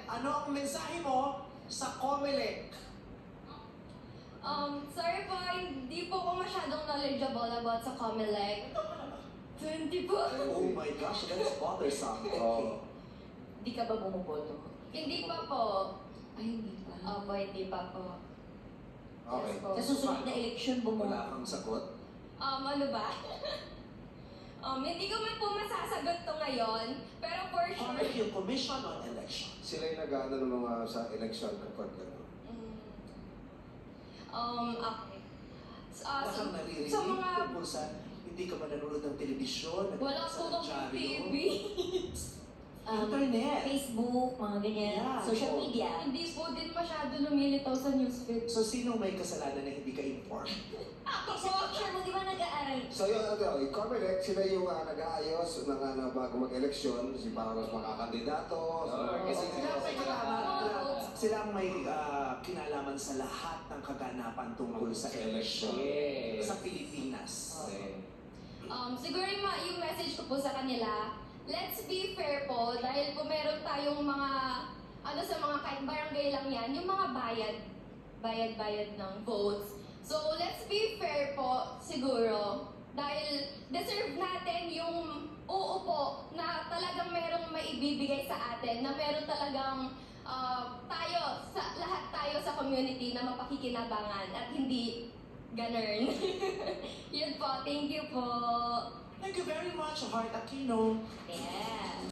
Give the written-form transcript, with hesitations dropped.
ano ang mensahe mo sa COMELEC? Sorry po, hindi po ako masyadong knowledgeable about sa COMELEC. 20 po. Oh my gosh, that is bothersome. Oh. Hindi ka ba bumuboto? Hindi pa po. Ay, hindi pa. Opo, hindi pa po. Okay. Yes po. Sa susunod na election, Wala bumuboto. kang sagot? Ano ba? Hindi ko man po masasagot to ngayon, pero for sure. COMELEC, yung Commission on Election. Sila yung nag-ano ng mga sa election kapag gano'n. Okay. Wala kang naririnig sa mga... tungkol sa hindi ka ba nanonood ng telebisyon? Wala po sa akong dyaryo? TV. Internet. Facebook, mga ganyan. Yeah. Social Oo. media. Hindi po din masyado lumilitaw sa newsfeed. So, sino may kasalanan na hindi ka informed? Sa picture mo, di ba nag-aaral? So yung yung COMELEC, sila yung nag-aayos ng bago mag-eleksyon, si para mas makakandidato. Kasi Okay. sila may kinalaman, sila ang may kinalaman sa lahat ng kaganapan tungkol sa election Yes. sa Pilipinas. Siguro yung message ko po sa kanila, let's be fair po dahil po meron tayong mga, sa mga kahit barangay lang yan, yung mga bayad ng votes. So, let's be fair po, siguro, dahil deserve natin yung uupo na talagang merong maibibigay sa atin, na meron talagang lahat tayo sa community na mapakikinabangan at hindi ganun. Yun po, thank you po. Thank you very much, Heart Aquino. Yeah.